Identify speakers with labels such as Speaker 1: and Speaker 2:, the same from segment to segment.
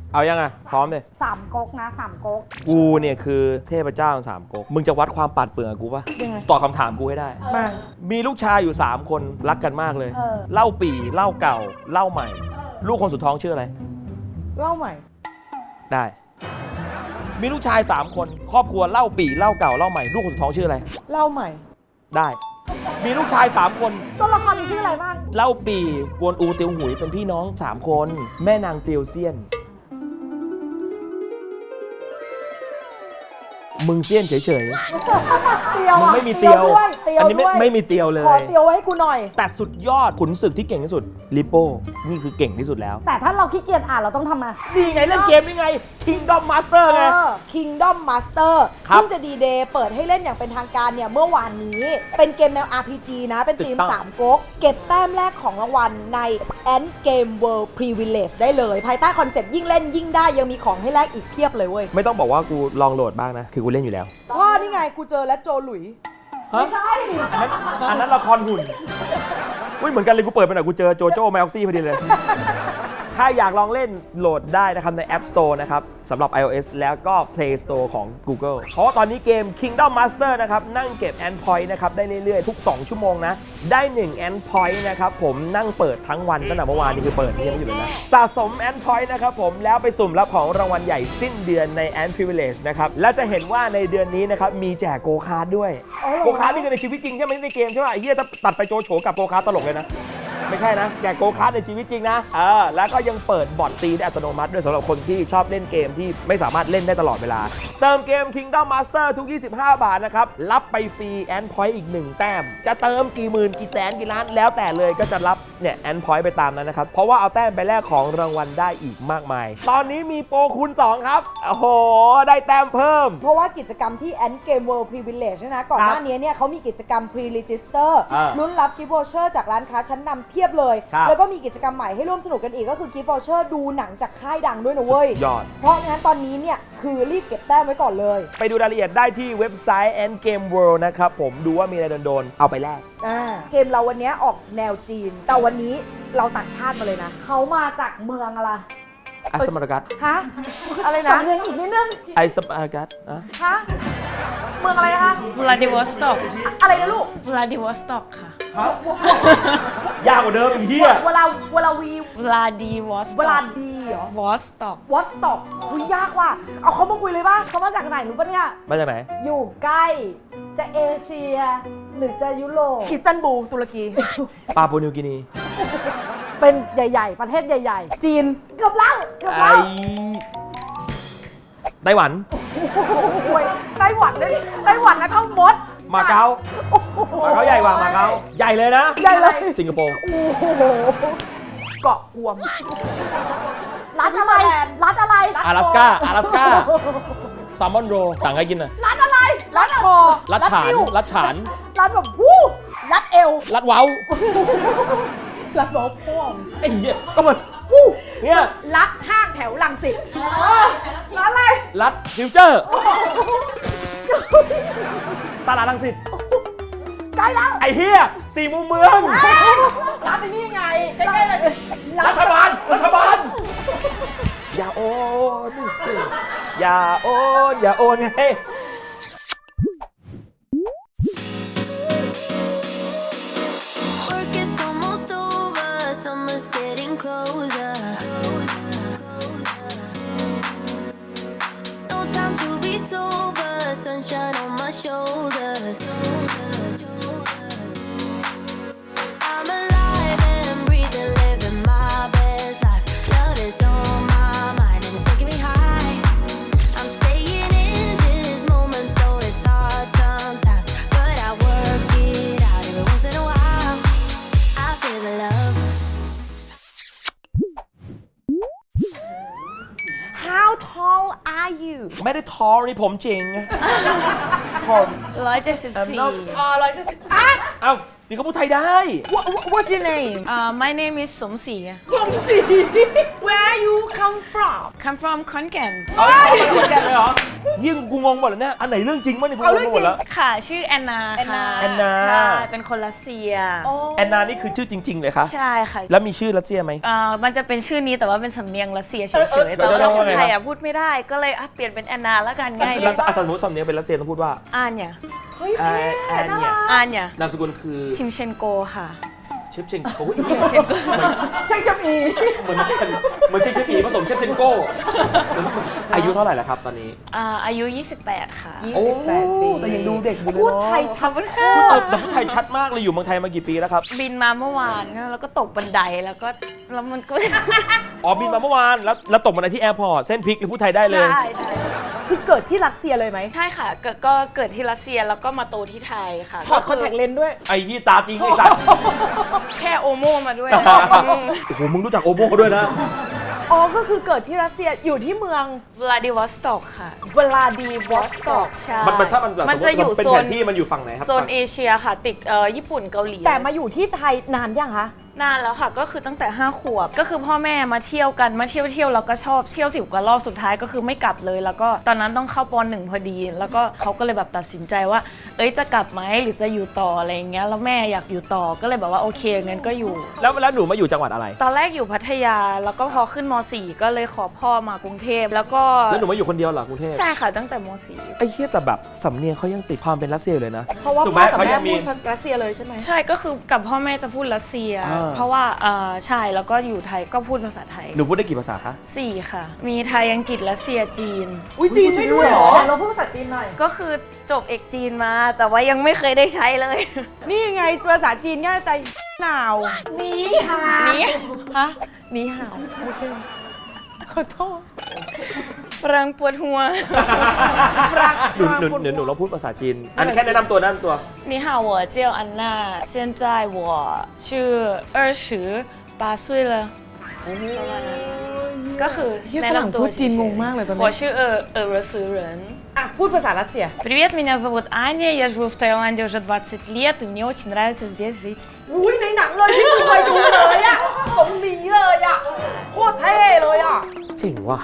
Speaker 1: เอายังไงพร้อมเลย
Speaker 2: 3ก๊กนะ3ก๊ก
Speaker 1: กูเนี่ยคือเทพเจ้า3ก๊กมึงจะวัดความปัดเปลืองกูปะ
Speaker 2: ยังไง
Speaker 1: ตอบคำถามกูให้ได้
Speaker 2: มา
Speaker 1: มีลูกชายอยู่3คนรักกันมากเลยเล่าปี่เล่าเก่าเล่าใหม่ลูกคนสุดท้องชื่ออะไร
Speaker 2: เล่าใหม่
Speaker 1: ได้มีลูกชาย3คนครอบครัวเล่าปี่เล่าเก่าเล่าใหม่ลูกคนสุดท้องชื่ออะไร
Speaker 2: เล่าใหม่
Speaker 1: ได้มีลูกชาย3คน
Speaker 2: ตัวละครมีชื่ออะไรบ้าง
Speaker 1: เล่าปี่กวนอูเตียวหุยเป็นพี่น้อง3คนแม่นางเตียวเซียนมึงเซียนเฉยๆมึงไม่มีเตียวอันนี้ไม่มีเตียวเลย
Speaker 2: ขอเตียวให้กูหน่อย
Speaker 1: แต่สุดยอดขุนศึกที่เก่งที่สุดลิโป้นี่คือเก่งที่สุดแล้ว
Speaker 2: แต่ถ้าเราขี้เกียจอ่านเราต้องทำไง
Speaker 1: นี่ไงเล่นเกมนี่ไง Kingdom Master ไง
Speaker 3: Kingdom Master เพิ่งจะดีเดย์เปิดให้เล่นอย่างเป็นทางการเนี่ยเมื่อวานนี้เป็นเกมแนว RPG นะเป็นทีม3ก๊กเก็บแต้มแรกของรางวัลใน End Game World Privilege ได้เลยภายใต้คอนเซปต์ยิ่งเล่นยิ่งได้ยังมีของให้แลกอีกเพียบเลยเว้ย
Speaker 1: ไม่ต้องบอกว่ากูลองโหลดบ้างนะคือกูเล่นอยู่แล้ว
Speaker 3: ว่านี่ไงกูเจอและโจหลุย
Speaker 1: ไม่ใช่อันนั้นละครหุ่นเหมือนกันเลยกูเปิดไปหน่อยกูเจอโจโจ้แมวซี่พอดีเลยถ้าอยากลองเล่นโหลดได้นะครับใน App Store นะครับสำหรับ iOS แล้วก็ Play Store ของ Google เพราะว่าตอนนี้เกม Kingdom Master นะครับนั่งเก็บ Endpoint นะครับได้เรื่อยๆทุก2ชั่วโมงนะได้1 Endpoint นะครับผมนั่งเปิดทั้งวันตั้งแต่เมื่อวานนี่คือเปิดยังไม่อยู่เลยนะสะสม Endpoint นะครับผมแล้วไปสุ่มรับของรางวัลใหญ่สิ้นเดือนใน End Privilege นะครับและจะเห็นว่าในเดือนนี้นะครับมีแจกโกคาร์ดด้วยโกคาร์ดนี่คือในชีวิตจริงใช่ไหมในเกมใช่ไหมไอ้เหี้ยถ้าตัดไปโจโฉกับโกคาร์ดตลกเลยนะไม่ใช่นะแจกโกคาร์ดในชีวิตจริงนะแล้วก็ยังเปิดบอทตีได้อัตโนมัติด้วยสำหรับคนที่ชอบเล่นเกมที่ไม่สามารถเล่นได้ตลอดเวลาเติมเกม Kingdom Master ทุก25 บาทนะครับรับไปฟรี End Point อีก1แต้มจะเติมกี่หมื่นกี่แสนกี่ล้านแล้วแต่เลยก็จะรับเนี่ย End Point ไปตามนั้นนะครับเพราะว่าเอาแต้มไปแลกของรางวัลได้อีกมากมายตอนนี้มีโปรคูณ2ครับโอ้โหได้แต้มเพิ่ม
Speaker 3: เพราะว่ากิจกรรมที่ End Game World Privilege นะก่อนหน้านี้เนี่ยเขามีกิจกรรม Pre-Register ลุ้นรับกิฟต์วอเชอร์จากร้านค้าชั้นนำเพียบเลยแล้วก็มีกิจกรรมใหม่ให้ร่วมสนุกกันอีกก็คือกิฟต์วอเชอร์ดูหนังจากค่ายดังด้วยนะเว้ย
Speaker 1: ยอด
Speaker 3: เพราะงั้นตอนนี้เนี่ยคือรีบเก็บแต้มไว้ก่อนเลย
Speaker 1: ไปดูรายละเอียดได้ที่เว็บไซต์ Endgame World นะครับผมดูว่ามีอะไรโดนๆเอาไปแลก
Speaker 3: เกมเราวันนี้ออกแนวจีนแต่วันนี้เราต่างชาติมาเลยนะ
Speaker 2: เขามาจากเมืองอะไร
Speaker 1: ไอสมาร์กัส
Speaker 3: ฮะอะไรนะ
Speaker 2: เมืองอีกนิดนึง
Speaker 1: ไอสมาร์กัส
Speaker 3: ฮะเมืองอะไรคะ
Speaker 4: วลาดิวอสต็อก
Speaker 3: อะไรนะลูก
Speaker 4: วลาดิวอสต็อกค่ะ
Speaker 1: ยากกว่าเดิมอีกเหี้ย
Speaker 3: เวลาวี
Speaker 4: วลาดิวอส
Speaker 3: เวลาดีเหรอ
Speaker 4: วอสต็อก
Speaker 3: วอสต็อกยากว่ะเอาเขามาคุยเลยป่ะ
Speaker 2: เขามาจากไหนรู้ปะเนี่ย
Speaker 1: มาจากไหน
Speaker 2: อยู่ใกล้จะเอเชียหรือจะยุโรป
Speaker 3: อิสตันบูลตุรกี
Speaker 1: ปาปัวนิวกินี
Speaker 2: เป็นใหญ่ๆประเทศใหญ่
Speaker 3: ๆจีน
Speaker 2: เกือบแล้ว
Speaker 1: ไต้หวัน
Speaker 3: ไต้หวันเลยไต้หวันแล้วก็มด
Speaker 1: มาเก๊าใหญ่กว่ามาเก๊าใหญ่เลยนะ
Speaker 3: ใหญ่เลย
Speaker 1: สิงคโปร์
Speaker 3: เกาะกวม
Speaker 2: รัฐอะไร
Speaker 1: 阿拉斯กาแซลมอนโรสั่งให้กินน่ะ
Speaker 2: รัฐอะไร
Speaker 3: รัฐคอ
Speaker 1: รัฐฉาน
Speaker 2: รัฐแบบวู้
Speaker 3: รัฐเอว
Speaker 1: รัฐเว้า
Speaker 3: รัฐเว้าพ่วง
Speaker 1: ไอ้เหี้ยก็มันวู้เนี่ย
Speaker 3: รัฐห้างแถวรังสิต
Speaker 2: รัฐอะไร
Speaker 1: รัฐฟิวเจอร์ตลาดรังสิต
Speaker 2: ใกล้แล้ว
Speaker 1: ไอ้เหี้ย4 มุมเมือง
Speaker 3: รัฐนี่ไงใกล้ๆเลย
Speaker 1: รัฐบาลอย่าโอนไงไม่ได้ทอนี่ผมจริง
Speaker 4: ผม174
Speaker 1: เอ้านี่เขาพูดไทยได้
Speaker 3: What's your name
Speaker 4: My name is สมศรี
Speaker 3: Where you come from
Speaker 4: Come from ขอนแก่น
Speaker 1: ขอนแก่นเลยเหรอยิ่งกูงงหมดแล้วเนี่ยอันไหนเรื่องจริงบ้างเนี่ยกู
Speaker 3: เอา
Speaker 1: ง
Speaker 3: เรื่อง
Speaker 1: งหมดแล้ว
Speaker 4: ค่ะชื่อแอนนาค่ะ
Speaker 1: แอนนา
Speaker 4: ใช่เป็นคนรัสเซีย
Speaker 1: แอนนานี่คือชื่อจริงๆเลยคะ
Speaker 4: ใช่ค่ะ
Speaker 1: แล้วมีชื่อรัสเซียไหม
Speaker 4: มันจะเป็นชื่อนี้แต่ว่าเป็นสำเนียงรัสเซียเฉยๆ
Speaker 1: เดี๋
Speaker 4: แต่
Speaker 1: ยว
Speaker 4: ว่า
Speaker 1: ๆ
Speaker 4: คน
Speaker 1: ว่าไง
Speaker 4: ไทยพูดไม่ได้ก็เลยเปลี่ยนเป็นแอนนาแล้วกันง่ายดี
Speaker 1: แล้วถ้าสมมติสำเนียงเป็นรัสเซียต้องพูดว่า
Speaker 4: อ่านเนี่ย
Speaker 3: เฮ้ย
Speaker 1: อันเนี่ย
Speaker 4: อ่านเนี่ย
Speaker 1: นามสกุลคือ
Speaker 4: ชิมเชนโกค่ะ
Speaker 1: เชฟเชนโก้
Speaker 4: เชนโก
Speaker 3: ช่างชมี
Speaker 1: เหมือนเชฟผีผสมเชฟเชนโก้อายุเท่าไหร่แล้วครับตอนนี้
Speaker 4: อายุ 28 ค่ะ
Speaker 1: โอ้
Speaker 3: 28 ปี
Speaker 1: แต่ยังดูเด็กอยู่เลย
Speaker 3: พูด
Speaker 1: เนาะ
Speaker 3: ไทยชัด
Speaker 1: พูดแต่พูดไทยชัดมากเลยอยู่เมืองไทยมากี่ปีแล้วครับ
Speaker 4: บินมาเมื่อวานแล้วก็ตกบันไดแล้วมันก็
Speaker 1: อ๋อบินมาเมื่อวานแล้วตกมาในที่แอร์พอร์ตเส้นพลิกเลยพูดไทยได้เลย
Speaker 4: ใช่
Speaker 3: คือเกิดที่รัสเซียเลยไหม
Speaker 4: ใช่ค่ะก็เกิดที่รัสเซียแล้วก็มาโตที่ไทยค่ะ
Speaker 3: ถอดคอนแทคเลนส์ด้วย
Speaker 1: ไอ้ที่ตาจริงไอ้สัตว์
Speaker 4: แช่โอโมมาด้วย
Speaker 1: โอ้โหมึงรู้จักโอโบเขาด้วยนะ
Speaker 3: อ๋อ ก็คือเกิดที่รัสเซียอยู่ที่เมือง
Speaker 4: วลาดิวอสต็อกค่ะ
Speaker 3: วลาดีวอสต็อก
Speaker 4: ใช่
Speaker 1: มันถ้ามันแบบ
Speaker 4: มันจะอยู่
Speaker 1: เป็น
Speaker 4: โซ
Speaker 1: แผ
Speaker 4: น
Speaker 1: นที่มันอยู่ฝั่งไหนครับ
Speaker 4: โซนเอเชียค่ะ ติดญี่ปุ่นเกาหลี
Speaker 3: แต่มาอยู่ที่ไทยนานยังคะ
Speaker 4: นานแล้วค่ะก็คือตั้งแต่5 ขวบก็คือพ่อแม่มาเที่ยวกันมาเที่ยวแล้วก็ชอบเที่ยว10 กว่ารอบสุดท้ายก็คือไม่กลับเลย แล้วก็ตอนนั้นต้องเข้าป.1 พอดี แล้วก็เขาก็เลยแบบตัดสินใจว่าจะกลับไหมหรือจะอยู่ต่ออะไรอย่างเงี้ยแล้วแม่อยากอยู่ต่อก็เลยแบบว่าโอเคงั้นก็อยู่
Speaker 1: แล้วหนูมาอยู่จังหวัดอะไร
Speaker 4: ตอนแรกอยู่พัทยาแล้วก็พอขึ้นม .4 ก็เลยขอพ่อมากรุงเทพแล้วก็
Speaker 1: แล้วหนูมาอยู่คนเดียวเหรอกรุงเทพ
Speaker 4: ใช่ค่ะตั้งแต่ม
Speaker 1: ไอ้เหี้ยแต่แบบสำเนียงเขายังติดความเป็นรัสเซียอยู่เลยนะ
Speaker 3: เพราะว่า
Speaker 1: ถูก
Speaker 3: พ่
Speaker 1: ไหม
Speaker 3: อกับ
Speaker 1: เขายั
Speaker 3: แม่
Speaker 1: งมี
Speaker 3: พูดรัสเซียเลยใช่ไหม
Speaker 4: .4 ใช่ก็คือกับพ่อแม่จะพูดรัสเซีย
Speaker 1: อ่า
Speaker 4: เพราะว่าใช่แล้วก็อยู่ไทยก็พูดภาษาไทย
Speaker 1: หนูพูดได้กี่ภาษาคะ
Speaker 4: 4 ค่ะ มีไทยอังกฤษรัสเซียจีน
Speaker 3: อุ้ยจีนได้ด้วยเหรอ
Speaker 2: แต่เราพูดภาษาจีนหน่อย
Speaker 4: ก็คือจบเอกจีนมา แต่ว่ายังไม่เคยได้ใช้เลย
Speaker 3: นี่ไงภาษาจีนง่ายแต่หนาว
Speaker 2: นี่ค่ะ
Speaker 4: นี่
Speaker 3: ฮะนี่หาวโอเคขอโทษ
Speaker 4: ฝรั่งปวดหัว
Speaker 1: หนูลองพูดภาษาจีน อันแค่แนะนำตัว
Speaker 4: 你好我叫安娜现在我是28岁了ก็คือแนะนำตัว
Speaker 3: พูดจีนงงมากเลยตอนนี้
Speaker 4: 我是俄罗斯人
Speaker 3: อ่ะพูดภาษารัสเซีย
Speaker 4: Привет, меня зовут Аня, я живу в Таиланде уже 20 лет, и мне очень нравится здесь жить.
Speaker 3: อุ้ยในหนังเลยที่เคยดูเลยอ่ะตรงนี้เลยอ่ะโคตรเท่เลยอ่ะ
Speaker 1: จริงว่ะ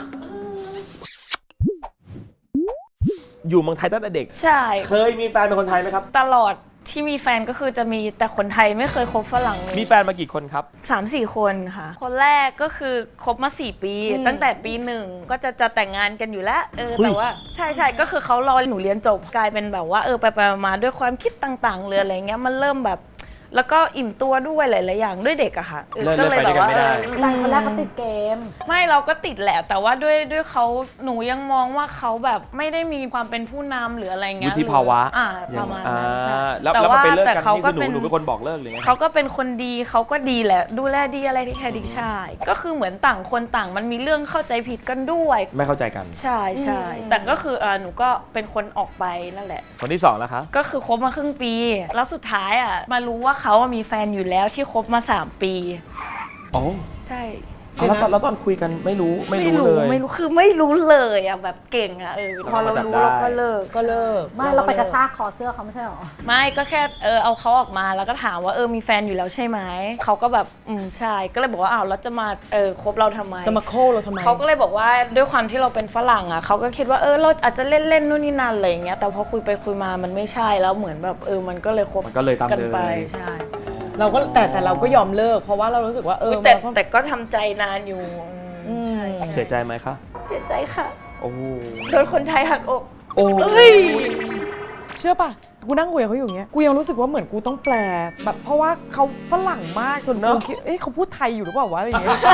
Speaker 1: อยู่เมืองไทยตั้งแต่เด็ก
Speaker 4: ใช่
Speaker 1: เคยมีแฟนเป็นคนไทยไหมครับ
Speaker 4: ตลอดที่มีแฟนก็คือจะมีแต่คนไทยไม่เคยคบฝรั่งเลย
Speaker 1: มีแฟนมากี่คนครับ
Speaker 4: 3-4 คนค่ะ คนแรกก็คือคบมา 4 ปี ตั้งแต่ปี 1 ก็จะแต่งงานกันอยู่แล้วแต่ว่าใช่ก็คือเขารอหนูเรียนจบกลายเป็นแบบว่าไปมาด้วยความคิดต่างๆหรืออะไรเงี้ยมันเริ่มแบบแล้วก็อิ่มตัวด้วยหลายๆอย่างด้วยเด็กอะค่ะ
Speaker 1: เลิกไปด้วยกันไม่ได้
Speaker 2: แต่คนแรกเขาติดเกม
Speaker 4: ไม่เราก็ติดแหละแต่ว่าด้วยเขาหนูยังมองว่าเขาแบบไม่ได้มีความเป็นผู้นำหรืออะไรเงี้ย
Speaker 1: วุฒิภาวะ
Speaker 4: ประมาณนั้นใช่
Speaker 1: แล้ว
Speaker 4: แต่
Speaker 1: มา
Speaker 4: ว่า
Speaker 1: ไปเลิก
Speaker 4: แต่
Speaker 1: กัน
Speaker 4: เขา
Speaker 1: นี่
Speaker 4: ก็
Speaker 1: คือหนู
Speaker 4: เป็น
Speaker 1: เป็นคนบอกเลิกหรือไง
Speaker 4: เขาก็เป็นคนดีเขาก็ดีแหละดูแลดีอะไรที่แค่ดีใช่ก็คือเหมือนต่างคนต่างมันมีเรื่องเข้าใจผิดกันด้วย
Speaker 1: ไม่เข้าใจกัน
Speaker 4: ใช่แต่ก็คือหนูก็เป็นคนออกไปนั่นแหละ
Speaker 1: คนที่2แล้วคะ
Speaker 4: ก็คือคบมาครึ่งปี แล้วสุดท้ายมารู้ว่าเขามีแฟนอยู่แล้วที่คบมา3 ปี
Speaker 1: โอ้
Speaker 4: ใช่
Speaker 1: แล้วตอนคุยกันไม่รู้เลย
Speaker 4: ไม่รู้คือไม่รู้เลยแบบเก่งพอเรารู้เราก็เลิก
Speaker 2: ไม่เราไปกระชากคอเสื้อเขาไม่ใช่หรอ
Speaker 4: ไม่ก็แค่เอาเขาออกมาแล้วก็ถามว่ามีแฟนอยู่แล้วใช่ไหมเขาก็แบบใช่ก็เลยบอกว่าอ้าวแล้วจะมาคบเราทำไม
Speaker 3: สมาโคเราทำไม
Speaker 4: เขาก็เลยบอกว่าด้วยความที่เราเป็นฝรั่งเขาก็คิดว่าเราอาจจะเล่นนู่นนี่นั่นอะไรอย่างเงี้ยแต่พอคุยไปคุยมามันไม่ใช่แล้วเหมือนแบบมันก็เลยคบ
Speaker 1: มันก็เลยตาม
Speaker 4: กัน
Speaker 1: เลย
Speaker 4: ไปใช่
Speaker 3: เราก็แต่เราก็ยอมเลิกเพราะว่าเรารู้สึกว่า
Speaker 4: แต่ก็ทำใจนานอยู่ใช่
Speaker 1: เสียใจไหมคะ
Speaker 4: เสียใจค่ะ
Speaker 1: โอ้
Speaker 4: โดนคนไทยหักอก
Speaker 1: โอ้
Speaker 3: เชื่อป่ะกูนั่งคุยกับเขาอยู่อย่างเงี้ยกูยังรู้สึกว่าเหมือนกูต้องแปลแบบเพราะว่าเขาฝรั่งมากจนกูคิดเขาพูดไทยอยู่หรือเปล่าวะอะไรอย่างเงี้ย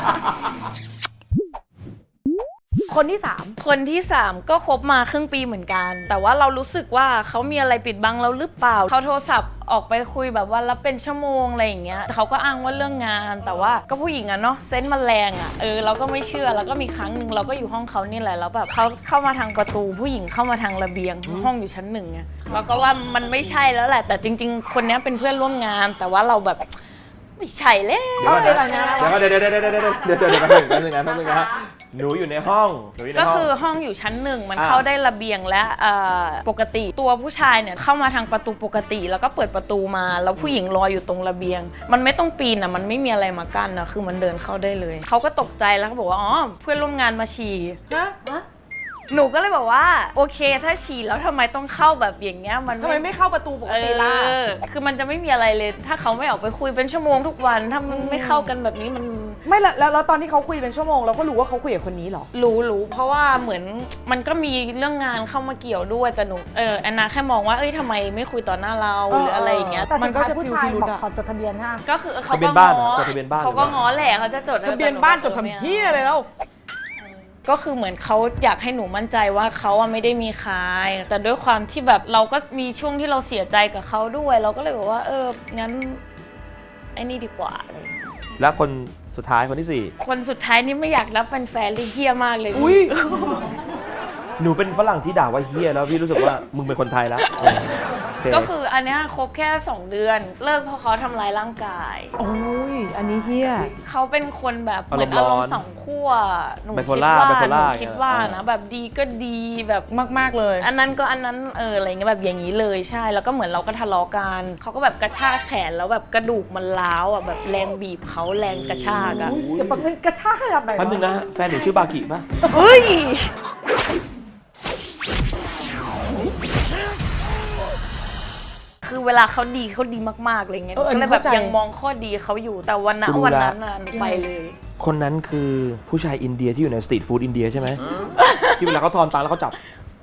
Speaker 3: คนที่
Speaker 4: 3 ก็คบมาครึ่งปีเหมือนกัน แต่ว่าเรารู้สึกว่าเขามีอะไรปิดบังเราหรือเปล่าเขาโทรศัพท์ออกไปคุยแบบว่ารับเป็นชั่วโมงอะไรอย่างเงี้ยเขาก็อ้างว่าเรื่องงานแต่ว่าก็ผู้หญิงเนาะเซนส์มันแรงเราก็ไม่เชื่อแล้วก็มีครั้งหนึ่งเราก็อยู่ห้องเขานี่แหละแล้วแบบเขาเข้ามาทางประตูผู้หญิงเข้ามาทางระเบียงห้องอยู่ชั้น 1ไงเราก็ว่ามันไม่ใช่แล้วแหละแต่จริงๆคนนี้เป็นเพื่อนร่วมงานแต่ว่าเราแบบไม่ใช่แล้ว
Speaker 1: เดี๋ยวแป๊บนึงนะหนูอยู่ในห้อง
Speaker 4: ก็คือห้องอยู่ชั้น 1มันเข้าได้ระเบียงและปกติตัวผู้ชายเนี่ยเข้ามาทางประตูปกติแล้วก็เปิดประตูมาแล้วผู้หญิงรออยู่ตรงระเบียงมันไม่ต้องปีนมันไม่มีอะไรมากั้นคือมันเดินเข้าได้เลยเขาก็ตกใจแล้วเขาบอกว่าอ๋อเพื่อนร่วมงานมาฉี่หนูก็เลยบอกว่าโอเคถ้าฉี่แล้วทำไมต้องเข้าแบบอย่างเงี้ยมัน
Speaker 5: ทำไมไม่เข้าประตูปกติล่ะ
Speaker 4: คือมันจะไม่มีอะไรเลย ถ้าเขาไม่ออกไปคุยเป็นชั่วโมงทุกวันถ้ามันไม่เข้ากันแบบนี้มัน
Speaker 5: ไม่แล้วตอนที่เขาคุยเป็นชั่วโมงเราก็รู้ว่าเขาคุยกับคนนี้เหรอ
Speaker 4: รู้เพราะว่าเหมือนมันก็มีเรื่องงานเข้ามาเกี่ยวด้วยแต่หนูแอนนาแค่มองว่าทำไมไม่คุยต่อหน้าเราหรืออะไรอย่างเงี้ย
Speaker 2: แต่
Speaker 5: มั
Speaker 2: สุ
Speaker 5: น
Speaker 2: ด
Speaker 5: ก็
Speaker 2: ท้าย
Speaker 5: จะ
Speaker 2: ผู้
Speaker 5: ฟิล
Speaker 2: ชาย
Speaker 5: พิรุธ
Speaker 2: บอก
Speaker 5: อะ
Speaker 2: ขอจดทะเบียนห้าม
Speaker 4: ก็คือเขา
Speaker 1: ทะเบี
Speaker 4: ก็
Speaker 1: ยนบ้าน
Speaker 4: ง้อ
Speaker 1: จดทะเบียนบ้าน
Speaker 4: เขาก็ง้อแหละเขาจะจด
Speaker 5: ทะเบียนบ้านจดทำเหี้ยเลยแล้ว
Speaker 4: ก็คือเหมือนเขาอยากให้หนูมั่นใจว่าเขาไม่ได้มีใครแต่ด้วยความที่แบบเราก็มีช่วงที่เราเสียใจกับเขาด้วย เราก็เลยบอกว่างั้นไอ้นี่ดีกว่าอะไรอย่างเงี้ย
Speaker 1: แล้วคนสุดท้ายคนที่
Speaker 4: คนสุดท้ายนี่ไม่อยากรับเป็นแฟนเลยเฮี้ยมากเลย
Speaker 5: อุ้ย
Speaker 1: 4 หนูเป็นฝรั่งที่ด่าว่าเฮียแล้วพี่รู้สึกว่ามึงเป็นคนไทยแล้วโอเค
Speaker 4: ก็คืออันเนี้ยครบแค่ 2 เดือน เลิกเพราะเขาทำร้ายร่างกาย
Speaker 5: โอ้ยอันนี้เฮีย
Speaker 4: เขาเป็นคนแบบเหมือนอารมณ์สองขั้วหนู
Speaker 1: ไบโพ
Speaker 4: คิด
Speaker 1: ล่า
Speaker 4: ว่า
Speaker 1: ไบโพ
Speaker 4: หนู
Speaker 1: ล่า
Speaker 4: คิดว่านะแบบดีก็ดีแบบ
Speaker 5: มากๆเลย
Speaker 4: อันนั้นก็อันนั้นอะไรเงี้ยแบบอย่างนี้เลยใช่แล้วก็เหมือนเราก็ทะเลาะกันเขาก็แบบกระชากแขนแล้วแบบกระดูกมันร้าวอ่ะแบบแรงบีบเขาแรงกระชากอ่ะ
Speaker 2: เดี๋ยวแบบนึงกระชากขนาดไหน
Speaker 1: แป๊บนึงนะแฟนหนูชื่อบากิป่ะ
Speaker 4: เฮ้ยคือเวลาเขาดีมากๆอะไรเงี้ย
Speaker 5: เอออั
Speaker 4: ก็
Speaker 5: นนี้
Speaker 4: เลยแบบ
Speaker 5: เข้าใจ
Speaker 4: ยังมองข้อดีเขาอยู่แต่วันนั้น
Speaker 1: กูรู้
Speaker 4: วัน
Speaker 1: ละ
Speaker 4: นั้นน่ะหนูไปเลย
Speaker 1: คนนั้นคือผู้ชายอินเดียที่อยู่ในสตรีทฟู้ดอินเดียใช่ไหม ที่เวลาเขาทอนตังค์แล้วเขาจับ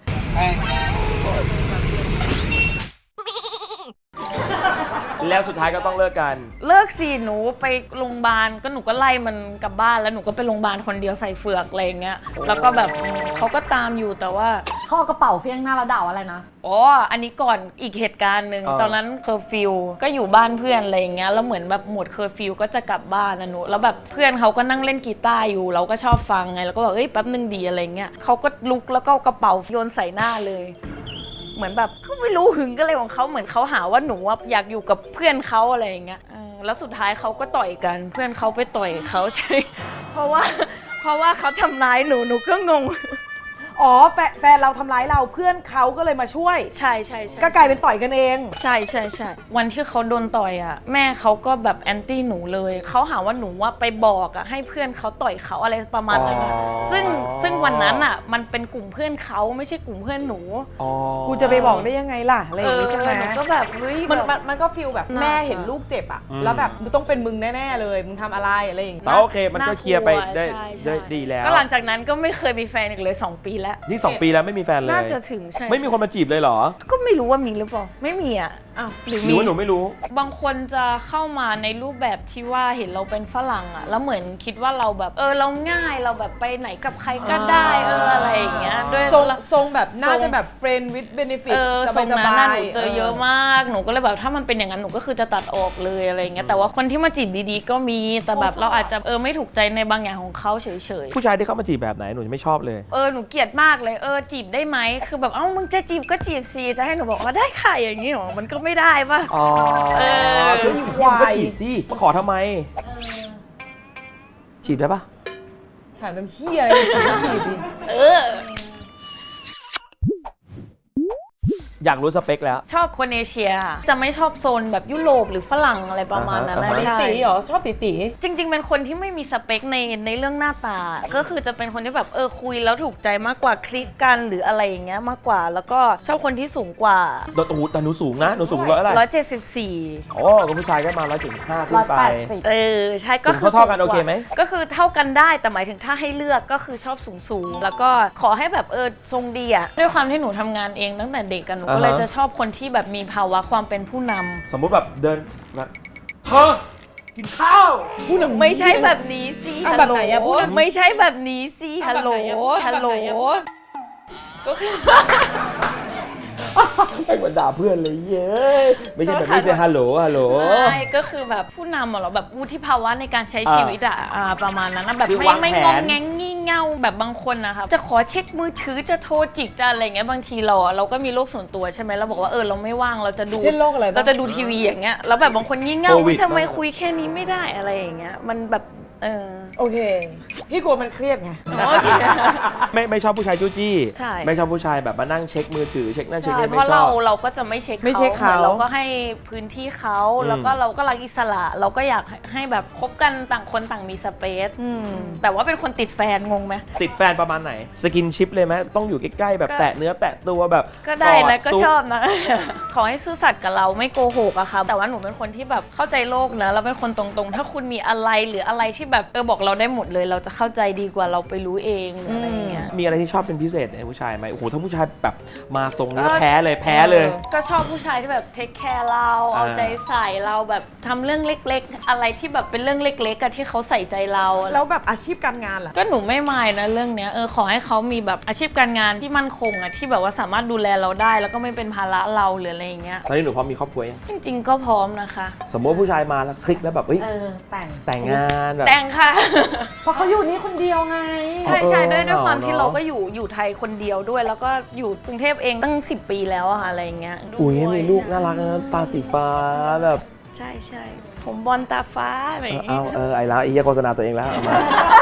Speaker 1: แล้วสุดท้ายก็ต้องเลิกกัน
Speaker 4: เลิกสิหนูไปโรงพยาบาลก็หนูก็ไล่มันกลับบ้านแล้วหนูก็ไปโรงพยาบาลคนเดียวใส่เฟือกอะไรอย่างเงี้ยแล้วก็แบบเขาก็ตามอยู่แต่ว่า
Speaker 2: เขาเอากระเป๋าเฟี้ยงหน้าแล้วด่าอะไรนะ
Speaker 4: อ๋ออันนี้ก่อนอีกเหตุการณ์หนึ่ง
Speaker 1: อ่า
Speaker 4: ตอนนั้นเคอร์ฟิวก็อยู่บ้านเพื่อนอะไรอย่างเงี้ยแล้วเหมือนแบบหมดเคอร์ฟิวก็จะกลับบ้านนะหนูแล้วแบบเพื่อนเขาก็นั่งเล่นกีตาร์อยู่เราก็ชอบฟังไงแล้วก็บอกแป๊บนึงดีอะไรเงี้ยเขาก็ลุกแล้วก็เอากระเป๋าโยนใส่หน้าเลย เหมือนแบบก็ไม่รู้หึงก็เลยของเขาเหมือนเขาหาว่าหนูว่าอยากอยู่กับเพื่อนเขาอะไรอย่างเงี้ยแล้วสุดท้ายเขาก็ต่อยกันเพื่อนเขาไปต่อยเขาใช่ เพราะว่าเขาทำร้ายหนูก็งง
Speaker 5: อ๋อแฟนเราทำร้ายเราเพื่อนเขาก็เลยมาช่วย
Speaker 4: ใช่
Speaker 5: ก็กลายเป็นต่อยกันเอง
Speaker 4: ใช่วันที่เขาโดนต่อยอ่ะแม่เขาก็แบบแอนตี้หนูเลยเขาหาว่าหนูว่าไปบอกอ่ะให้เพื่อนเขาต่อยเขาอะไรประมาณนั้นอะซึ่งวันนั้นอ่ะมันเป็นกลุ่มเพื่อนเขาไม่ใช่กลุ่มเพื่อนหนู
Speaker 5: กูจะไปบอกได้ยังไงล่ะอะไรอย่างงี้ใช่ไหม
Speaker 4: หนูก็แบบเฮ้ย
Speaker 5: มันก็ฟีลแบบ
Speaker 4: น่า
Speaker 5: แม่เห็นลูกเจ็บอะแล้วแบบมึงต้องเป็นมึงแน่ๆเลยมึงทำอะไรอะไรอย่าง
Speaker 1: แต่
Speaker 5: เงี้ย
Speaker 1: โอเคมันก็เคลียร์ไปได้
Speaker 4: ใช่
Speaker 1: ได้ดีแล้ว
Speaker 4: ก็หลังจากนั้นก็ไม่เคยมีแฟนอีกเลย2 ปีแล้ว
Speaker 1: นี่ 2 ปีแล้วไม่มีแฟนเลย
Speaker 4: น่าจะถึงใช่
Speaker 1: ไม่มีคนมาจีบเลยเหรอ
Speaker 4: ก็ไม่รู้ว่ามีหรือเปล่าไม่มีอ่ะ
Speaker 5: อ้าว
Speaker 4: หรือ
Speaker 1: หรือว่าหนูไม่รู้
Speaker 4: บางคนจะเข้ามาในรูปแบบที่ว่าเห็นเราเป็นฝรั่งอ่ะแล้วเหมือนคิดว่าเราแบบเราง่ายเราแบบไปไหนกับใครก็ได้อะไรอย่างเงี้ยด้วย
Speaker 5: ทรงแบบน่าจะแบบ friend with benefit ส
Speaker 4: ทรงนั้น
Speaker 5: บา
Speaker 4: น่ะ
Speaker 5: ย
Speaker 4: หนูเจอเยอะมากหนูก็เลยแบบถ้ามันเป็นอย่างนั้นหนูก็คือจะตัดออกเลยอะไรอย่างเงี้ยแต่ว่าคนที่มาจีบดีๆก็มีแต่แบบเราอาจจะไม่ถูกใจในบางอย่างของเขาเฉยๆ
Speaker 1: ผู้ชายที่เข้ามาจีบแบบไหนหนูจะไม่ชอบเลย
Speaker 4: หนูเกลียดมากเลยจีบได้ไหมคือแบบมึงจะจีบก็จีบสิจะให้หนูบอกว่าได้ค่ะอย่างนี้หรอมันก็ไม่ได้ป่ะ
Speaker 1: อ๋อ
Speaker 5: คือ
Speaker 1: มึ
Speaker 5: ควาง
Speaker 1: ก็
Speaker 5: ย
Speaker 1: จีบสิมาขอทำไม จีบได้ปะ
Speaker 5: ถามน้ำเหี้ยอะไรจีบดิ
Speaker 1: อยากรู้สเปคแล้ว
Speaker 4: ชอบคนเอเชียจะไม่ชอบโซนแบบยุโรปหรือฝรั่งอะไรประมาณนั้นนะ
Speaker 1: อ่าฮะ
Speaker 4: ใช่
Speaker 5: ตีเหรอชอบตี
Speaker 4: จริงๆ เป็นคนที่ไม่มีสเปคในเรื่องหน้าตา ก็คือจะเป็นคนที่แบบคุยแล้วถูกใจมากกว่าคลิกกันหรืออะไรอย่างเงี้ยมากกว่า แล้วก็ชอบคนที่สูงกว่า
Speaker 1: โอ้โหแต่หนูสูงนะ หนูสูงร้อยอะไร
Speaker 4: 174
Speaker 1: โอ้ก็ผู้ชายก็มา175ขึ้นไป
Speaker 2: 180
Speaker 4: ใช่ก็คือ
Speaker 1: สูงเท่าๆกัน
Speaker 4: สูงว่า
Speaker 1: โอเคไหม
Speaker 4: ก็คือเท่ากันได้แต่หมายถึงถ้าให้เลือกก็คือชอบสูงแล้วก็ขอให้แบบทรงดีอะด้วยความที่หนูทำงานเองตั้งแต่เด็กกันหนูก็เลยจะชอบคนที่แบบมีภาวะความเป็นผู้นำ
Speaker 1: สมมุติแบบเดินแบบเธอกินข้าว
Speaker 5: ผู้นำ
Speaker 4: ไม่ใช่แบบนี้สิ
Speaker 5: เอา
Speaker 4: ฮัล
Speaker 5: แบบ
Speaker 4: โหล
Speaker 5: ไหนอะพูดหน่อย
Speaker 4: ไม่ใช่แบบนี้สิฮัลโหล
Speaker 5: เอาแบบไหนอะ
Speaker 4: ฮัลโหล
Speaker 5: แบบไหนอะ
Speaker 4: ก็คือ
Speaker 1: ไอ้เหมือนด่าเพื่อนเลยเย้ยไม่ใช่แบบนี้สิฮัลโหลฮัลโหล
Speaker 4: ใช่ก็คือแบบผู้นำเหรอแบบวุฒิภาวะในการใช้ชีวิตอะประมาณนั้นนะแบบ
Speaker 1: คือ
Speaker 4: ไม่
Speaker 1: วาง
Speaker 4: ไม่
Speaker 1: แผน
Speaker 4: งองแงงงี่เง่าแบบบางคนนะคะจะขอเช็คมือถือจะโทรจิกจะอะไรเงี้ยบางทีเราก็มีโลกส่วนตัวใช่ไหมเราบอกว่าเราไม่ว่างเราจะดู
Speaker 5: เช่นโรคอะไรบ้าง
Speaker 4: เราจะดูทีวีอย่างเงี้ยแล้วแบบบางคนงี่เง่า
Speaker 1: โควิด
Speaker 4: ทำไมคุยแค่นี้ไม่ได้อะไรอย่างเงี้ยมันแบบ
Speaker 5: โอเค พี่กลัวมันเครียดไง
Speaker 1: ไม่ชอบผู้ชายจู้จี้
Speaker 4: ใช่
Speaker 1: ไม่ชอบผู้ชายแบบมานั่งเช็คมือถือเช็คนั่นเช็ค
Speaker 4: ใช่
Speaker 1: นี่
Speaker 4: เพ
Speaker 1: ไม่
Speaker 4: ราะ
Speaker 1: ชอบ
Speaker 4: เราก็จะไม่เช็ค
Speaker 5: ไม่เช็คเขา
Speaker 4: หมือนเราก็ให้พื้นที่เขาแล้วก็เราก็รักอิสระ เราก็อยากให้แบบคบกันต่างคนต่างมีสเปซแต่ว่าเป็นคนติดแฟนงงไหม
Speaker 1: ติดแฟนประมาณไหนสกินชิปเลยไหมต้องอยู่ใกล้ๆแบบแตะเนื้อแตะตัวแบบ
Speaker 4: ก็ได้นะ
Speaker 1: อ
Speaker 4: ก็
Speaker 1: ซุ
Speaker 4: ชอบนะ ขอให้ซื่อสัตย์กับเราไม่โกหกอะค่ะแต่ว่าหนูเป็นคนที่แบบเข้าใจโลกนะเราเป็นคนตรงๆ ถ้าคุณมีอะไรหรืออะไรที่แบบบอกเราได้หมดเลย เราจะเข้าใจดีกว่าเราไปรู้เองหรืออะไรอย่างเงี้ย
Speaker 1: มีอะไรที่ชอบเป็นพิเศษในผู้ชายไหมโอ้โหถ้าผู้ชายแบบมาทรงนี้แล้วแพ้เลย
Speaker 4: ก็ชอบผู้ชายที่แบบเทคแคร์เราเอาใจใส่เราแบบทำเรื่องเล็กๆ อะไรที่แบบเป็นเรื่องเล็กๆอะที่เขาใส่ใจเรา
Speaker 5: แล้วแบบอาชีพการงานล่ะ
Speaker 4: ก็หนูไม่มายนะเรื่องเนี้ยขอให้เขามีแบบอาชีพการงานที่มั่นคงอะที่แบบว่าสามารถดูแลเราได้ แล้วก็ไม่เป็นภาระเราหรืออะไรอย่างเงี้ย
Speaker 1: ตอนนี้หนูพร้อมมีครอบครัวยัง
Speaker 4: จริงๆก็พร้อมนะคะ
Speaker 1: สมมติว่าผู้ชายมาแล้วคลิกแล้วแบบเฮ้ย
Speaker 2: แต่ง
Speaker 1: แต่งงานแบบ
Speaker 4: แต่งค่ะ
Speaker 2: เพราะเขาอยู่นี่คนเดียวไง
Speaker 4: ใช่ใช่ด้วย
Speaker 1: เนอะ
Speaker 4: ความที่
Speaker 1: เนอะ
Speaker 4: เราก็อยู่ไทยคนเดียวด้วย แล้วก็อยู่กรุงเทพเองตั้ง 10 ปีแล้วอะค่ะอะไรอย่างเงี้ย
Speaker 1: อุ้ย
Speaker 4: ด้วย
Speaker 1: มีลูกน่ารักนะตาสีฟ้าแบบ
Speaker 4: ใช่ใช่ผมบอลตาฟ้าอะไรอย่างเงี้ย
Speaker 1: ไอ้แล้วไอ้เหี้ยโฆษณาตัวเองแล้วเอามา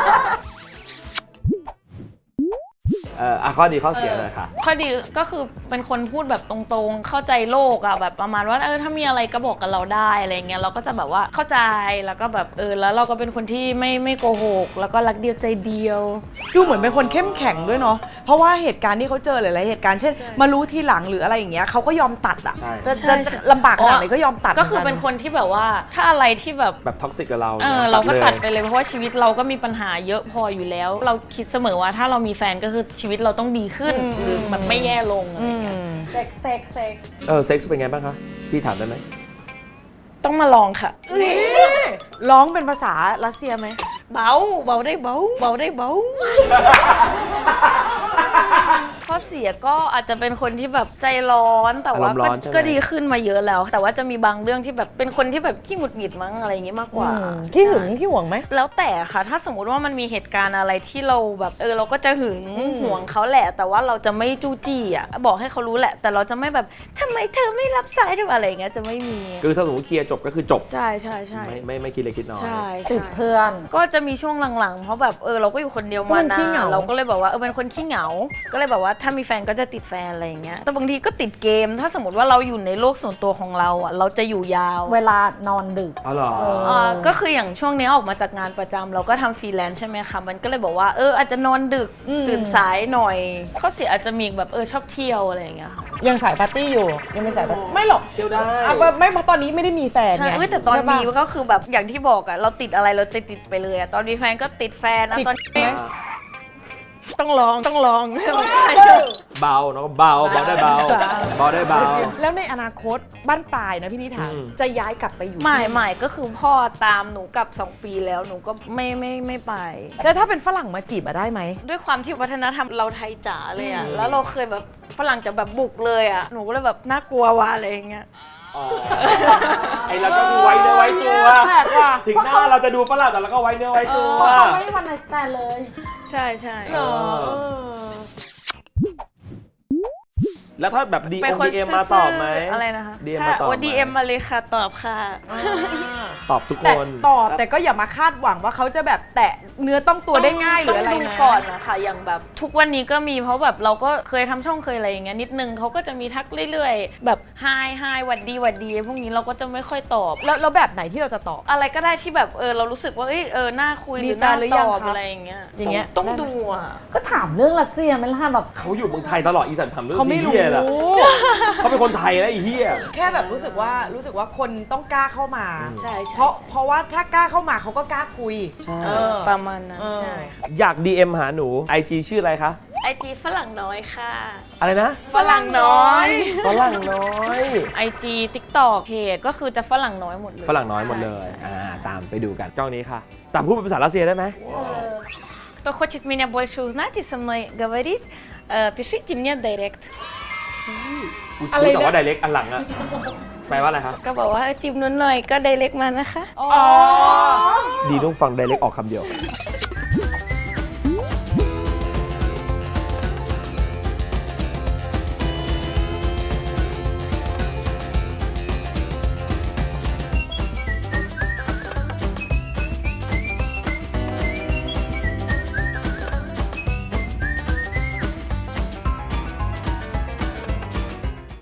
Speaker 1: ข้อดีข้อเสียหน่อยค่ะ
Speaker 4: ข้อดีก็คือเป็นคนพูดแบบตรงๆ เข้าใจโลกอะแบบประมาณว่าถ้ามีอะไรก็บอกกับเราได้อะไรเงี้ยเราก็จะแบบว่าเข้าใจแล้วก็แบบแล้วเราก็เป็นคนที่ไม่โกหกแล้วก็รักเดียวใจเดียว
Speaker 5: ดูเหมือนเป็นคนเข้มแข็งด้วยเนาะ เพราะว่าเหตุการณ์ที่เขาเจอหลายๆเหตุการณ์เช่น
Speaker 4: ใช่
Speaker 5: มารู้ทีหลังหรืออะไรอย่างเงี้ยเขาก็ยอมตัดอ่ะ
Speaker 1: ใช่
Speaker 5: จะ
Speaker 4: ใช่
Speaker 5: จะลำบากขนาดไหนก็ยอมตัด
Speaker 4: ก็คือ
Speaker 5: หมื
Speaker 4: เป็นคนที่แบบว่าถ้าอะไรที่แบบ
Speaker 1: แบบท็อกซิกกับเรา
Speaker 4: เราก็ตัด
Speaker 1: เลย
Speaker 4: ไปเลยเพราะว่าชีวิตเราก็มีปัญหาเยอะพออยู่แล้ว เราคิดเสมอว่าถ้าเรามีแฟนก็คือชีวิตเราต้องดีขึ้นหรือมันไม่แย่ลงอะไรเงี้ย
Speaker 2: เซ็ก
Speaker 1: เซ็กซ์เป็นไงบ้างคะพี่ถามได้ไหม
Speaker 4: ต้องมาลองค่ะ
Speaker 5: ร้องเป็นภาษารัสเซียไหม
Speaker 4: เบาได้เบาได้เบา ข้อเสียก็อาจจะเป็นคนที่แบบใจร้อนแต่ว่า
Speaker 1: อารมณ์ร้อนใช่ไหม
Speaker 4: ก็ดีขึ้นมาเยอะแล้ว แต่ว่าจะมีบางเรื่องที่แบบเป็นคนที่แบบขี้หงุดหงิดมั้งอะไรอย่างงี้มากกว่า
Speaker 5: ขี้หึงขี้หวงไหม
Speaker 4: แล้วแต่ค่ะถ้าสมมุติว่ามันมีเหตุการณ์อะไรที่เราแบบเราก็จะหึงห่วงเขาแหละ แต่ว่าเราจะไม่จู้จี้อ่ะบอกให้เขารู้แหละ แต่เราจะไม่แบบทำไมเธอไม่รับสายหรืออะไรอย่างเงี้ยจะไม่มี
Speaker 1: คือถ้าสมมติเคลียร์จบก็คือจบ
Speaker 4: ใช่
Speaker 1: ไม่คิดเล็กคิดน้อย
Speaker 4: ใช่
Speaker 2: ติดเพื่อน
Speaker 4: ก็จะมีช่วงหลังๆ เพราะแบบเราก็อยู่คนเดียวมา
Speaker 5: เป็นขี้
Speaker 4: นา
Speaker 5: เหงา
Speaker 4: นเราก็เลยแบบว่าเป็นคนขี้เหงา ก็เลยแบบว่าถ้ามีแฟนก็จะติดแฟนอะไรอย่างเงี้ยแต่บางทีก็ติดเกม ถ้าสมมติว่าเราอยู่ในโลกส่วนตัวของเราอ่ะเราจะอยู่ยาว
Speaker 2: เวลานอนดึก
Speaker 1: อ๋อเหรอ
Speaker 4: ก็คืออย่างช่วงนี้ออกมาจากงานประจำเราก็ทำฟรีแลนซ์ใช่ไหมคะมันก็เลยบอกว่าอาจจะนอนดึกตื่นสายหน่อยข้อเสียอาจจะมีแบบชอบเที่ยวอะไรอย่างเงี้ยค่ะ
Speaker 5: ยังสายปาร์ตี้อยู่ยังเป็นสายปาร์ตี้ไม่หรอก
Speaker 1: เที่ยวได้
Speaker 5: ไม่เพราะตอนนี้ไม่ได้มีแฟน
Speaker 4: ใช่
Speaker 5: ไง
Speaker 4: แต่ตอน
Speaker 5: ใช่ปะ
Speaker 4: มีก็คือแบบอย่างที่บอกอะเราติดอะไรเราติดไปเลยอะตอนมีแฟนก็ติดแฟนนะ
Speaker 5: ติด
Speaker 4: ตอน
Speaker 5: ไหม
Speaker 4: ต้องลองไม่ใช่
Speaker 1: เบาเนาะเบาได้เบาได้เบา
Speaker 5: แล้วในอนาคตบ้านปลายนะพี่นิถา
Speaker 1: อืม
Speaker 5: จะย้ายกลับไปอยู่
Speaker 4: ใหม่ก็คือพ่อตามหนูกลับ2 ปีแล้วหนูก็ไม่ไป
Speaker 5: แล้วถ้าเป็นฝรั่งมาจีบอะได้ไหม
Speaker 4: ด้วยความที่วัฒนธรรมเราไทยจ๋าเลยอะแล้วเราเคยแบบฝรั่งจะแบบบุกเลยอะหนูก็เลยแบบน่ากลัวว่ะอะไรอย่างเงี้ย
Speaker 1: ไอเราก็ดูไว้เนื้อไว้ตัว
Speaker 5: แปลกว่ะ
Speaker 1: ถึงหน้าเราจะดูฝรั่งแต่เราก็ไว้เนื้อไว้ตัว
Speaker 2: เพราะเขาไม่ได้วันไนสแตนเลย
Speaker 4: ใช่
Speaker 1: แล้วถ้าแบบ
Speaker 4: เป็นคน
Speaker 1: DM มาตอบไหม
Speaker 4: อะไรนะคะ
Speaker 1: DM
Speaker 4: ถ้า
Speaker 1: มาตอบไหม
Speaker 4: DM มาเลยค่ะตอบค่ะ
Speaker 1: ตอบทุกค
Speaker 5: แต่
Speaker 1: น
Speaker 5: ตอบแต่ก็อย่ามาคาดหวังว่าเขาจะแบบแตะเนื้อต้องตัวได้ง่ายหรืออะไร
Speaker 4: ต้งดู
Speaker 5: นะ
Speaker 4: ก่อนนะคะอย่างแบบทุกวันนี้ก็มีเพราะแบบเราก็เคยทำช่องเคยอะไรอย่างเงี้ยนิดนึงเขาก็จะมีทักเรื่อยๆแบบไฮหวัดดีพวกนี้เราก็จะไม่ค่อยตอบ
Speaker 5: แล้วแบบไหนที่เราจะตอบ
Speaker 4: อะไรก็ได้ที่แบบเรารู้สึกว่าน่าคุยห
Speaker 5: มี
Speaker 4: รือ
Speaker 5: แฟ
Speaker 4: น่าน
Speaker 5: หรือ
Speaker 4: ต
Speaker 5: ยัง
Speaker 4: อบ
Speaker 5: ครับ
Speaker 4: อะไรอย่างเงี้ย
Speaker 5: อย่างเงี้ย
Speaker 4: ต้องดูอ่ะ
Speaker 2: ก็ถามเรื่องรัสเซียไหม่ล่ะแบบ
Speaker 1: เขาอยู่เมืองไทยตลอดอีสันทำเรื่อง
Speaker 5: เขาไม่
Speaker 1: ซี
Speaker 5: รู้
Speaker 1: เรียสอะเขาเป็นคนไทยแล้วไอ้เหี้ย
Speaker 5: แค่แบบรู้สึกว่าคนต้องกล้าเข้ามา
Speaker 4: ใช่
Speaker 5: เพราะว่าถ้ากล้าเข้ามาเขาก็กล้าคุย
Speaker 1: ใช่
Speaker 5: เออ
Speaker 4: ประมาณนั้น
Speaker 5: เออ
Speaker 4: ใช่ค่ะ
Speaker 1: อยาก DM หาหนู IG ชื่ออะไรคะ
Speaker 4: IG ฝรั่งน้อยค่ะ
Speaker 1: อะไรนะ
Speaker 4: ฝรั่งน้อย
Speaker 1: ฝรั่งน้อย
Speaker 4: IG TikTok เพจก็คือจะฝรั่งน้อยหมดเลย
Speaker 1: ฝรั่งน้อยหมดเลย
Speaker 4: ใช่ใช่
Speaker 1: ตามไปดูกันกล้องนี้ค่ะ แต่พูดเป็นภาษารัสเซียได้ไหม
Speaker 4: Кто хочет меня больше узнать и со мной говорить, пишите мне директ
Speaker 1: พูดแต่ว่า direct อันหลังอะแปลว่าอะไรคะ
Speaker 4: ก็บอกว่าจิ้มนุ่นหน่อยก็ direct มานะคะ
Speaker 1: ดีต้องฟัง direct ออกคำเดียว